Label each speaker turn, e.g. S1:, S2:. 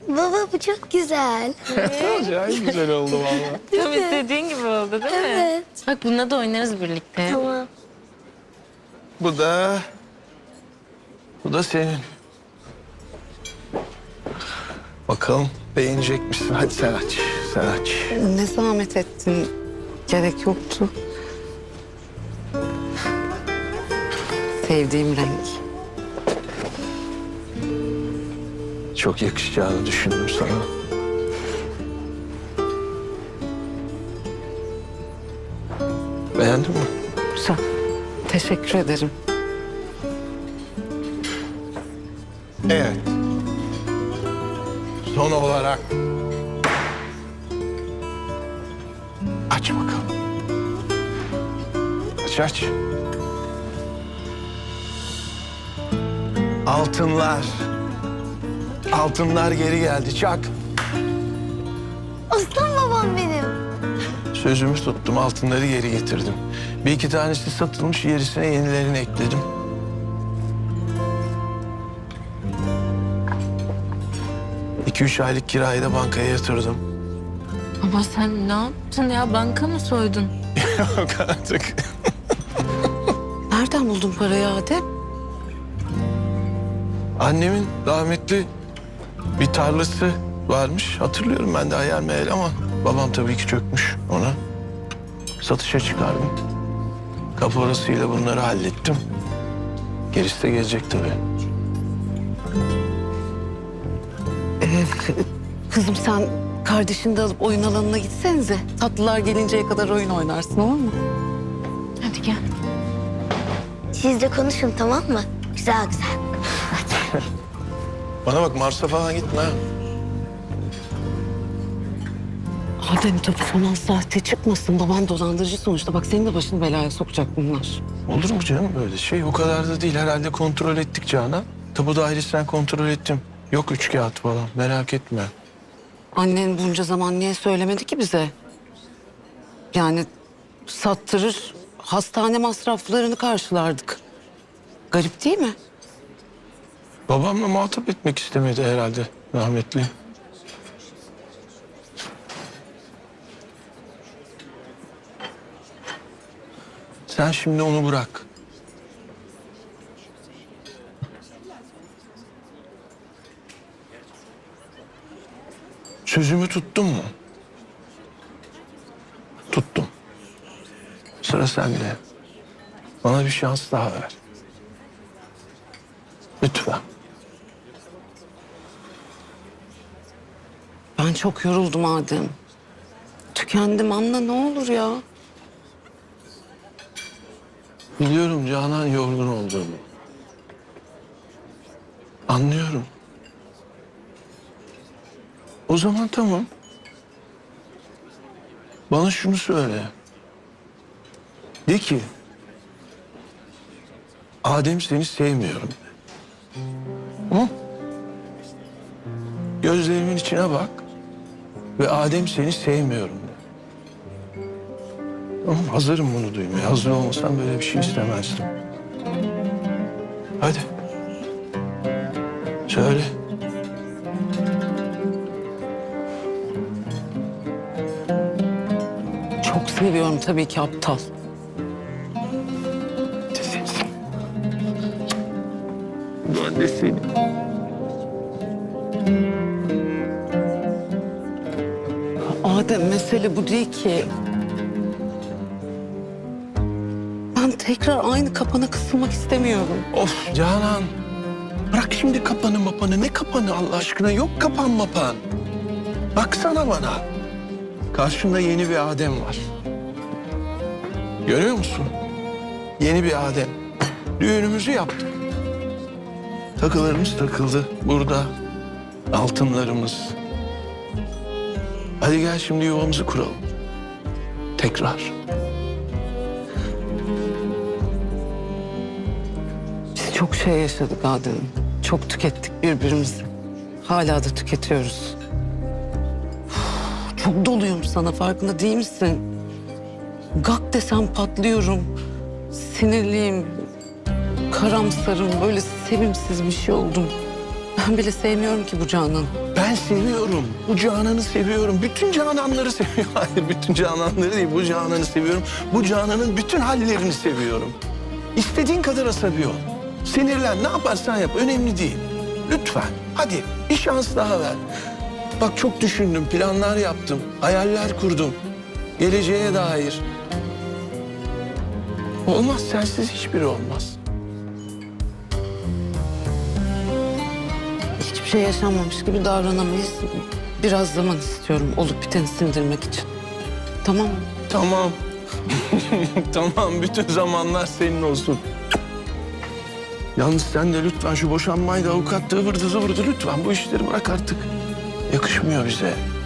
S1: Baba bu çok güzel.
S2: Acayip güzel oldu vallahi.
S3: Tam istediğin gibi oldu değil mi?
S1: Evet.
S3: Bak bununla da oynarız birlikte.
S1: Tamam.
S2: Bu da senin. Bakalım beğenecek misin? Hadi sen aç. Sen aç.
S4: Ne zahmet ettin. Gerek yoktu. Sevdiğim renk.
S2: Çok yakışacağını düşündüm sana. Beğendin mi?
S4: Güzel. Teşekkür ederim.
S2: Evet. Son olarak aç bakalım. Aç. Altınlar. Altınlar geri geldi. Çak.
S1: Aslan babam benim.
S2: Sözümü tuttum. Altınları geri getirdim. Bir iki tanesi satılmış. Gerisine yenilerini ekledim. İki üç aylık kirayı da bankaya yatırdım.
S3: Ama sen ne yaptın ya? Banka mı soydun?
S2: Yok artık.
S4: Nereden buldun parayı Adem?
S2: Annemin rahmetli bir tarlası varmış. Hatırlıyorum ben de hayal meyal ama babam tabii ki çökmüş ona. Satışa çıkardım. Kaporasıyla bunları hallettim. Gerisi de gelecek tabii.
S4: Kızım sen kardeşini de alıp oyun alanına gitsenize. Tatlılar gelinceye kadar oyun oynarsın, olur mu?
S3: Hadi gel.
S1: Siz de konuşun tamam mı? Güzel güzel.
S2: Bana bak Mars'a falan gitme ha.
S4: Adem tabii falan sahte çıkmasın. Baban dolandırıcı sonuçta. Bak senin de başını belaya sokacak bunlar.
S2: Olur mu canım böyle şey? O kadar da değil. Herhalde kontrol ettik Canan. Tapu dairesinden kontrol ettim. Yok üç kağıt falan. Merak etme.
S4: Annen bunca zaman niye söylemedi ki bize? Yani sattırır, hastane masraflarını karşılardık. Garip değil mi?
S2: Babamla muhatap etmek istemedi herhalde rahmetli. Sen şimdi onu bırak. Sözümü tuttum mu? Tuttum. Sıra sende. Bana bir şans daha ver. Lütfen.
S4: Ben çok yoruldum Adem. Tükendim, anla ne olur ya.
S2: Biliyorum Canan yorgun olduğumu. Anlıyorum. O zaman tamam. Bana şunu söyle. De ki... Adem seni sevmiyorum de. Hı? Gözlerimin içine bak. Ve Adem seni sevmiyorum de. Tamam, hazırım bunu duymaya. Hazır olmasam böyle bir şey istemezdim. Hadi. Söyle.
S4: Çok seviyorum tabii ki aptal.
S2: Ben de seni.
S4: Adem mesele bu değil ki. Ben tekrar aynı kapana kısılmak istemiyorum.
S2: Of Canan. Bırak şimdi kapanı mapanı. Ne kapanı Allah aşkına? Yok kapan mapan. Baksana bana. Karşında yeni bir Adem var. Görüyor musun? Yeni bir Adem. Düğünümüzü yaptık. Takılarımız takıldı burada. Altınlarımız. Hadi gel şimdi yuvamızı kuralım. Tekrar.
S4: Biz çok şey yaşadık Adem. Çok tükettik birbirimizi. Hala da tüketiyoruz. Uf, çok doluyum sana, farkında değil misin? Gak desem patlıyorum. Sinirliyim. Karamsarım, böyle sevimsiz bir şey oldum. Ben bile sevmiyorum ki bu Canan'ı.
S2: Ben seviyorum. Bu Canan'ı seviyorum. Bütün Canan'ları seviyorum. Hayır, bütün Canan'ları değil. Bu Canan'ı seviyorum. Bu Canan'ın bütün hallerini seviyorum. İstediğin kadar asabi ol. Sinirlen, ne yaparsan yap. Önemli değil. Lütfen. Hadi bir şans daha ver. Bak çok düşündüm, planlar yaptım. Hayaller kurdum. Geleceğe dair. Olmaz, sensiz hiçbiri olmaz.
S4: Hiçbir şey yaşanmamış gibi davranamayız. Biraz zaman istiyorum olup biteni sindirmek için. Tamam mı?
S2: Tamam. Tamam, bütün zamanlar senin olsun. Yalnız sen de lütfen şu boşanmayı da avukatlığı vırdı zıvırdı lütfen. Bu işleri bırak artık. Yakışmıyor bize.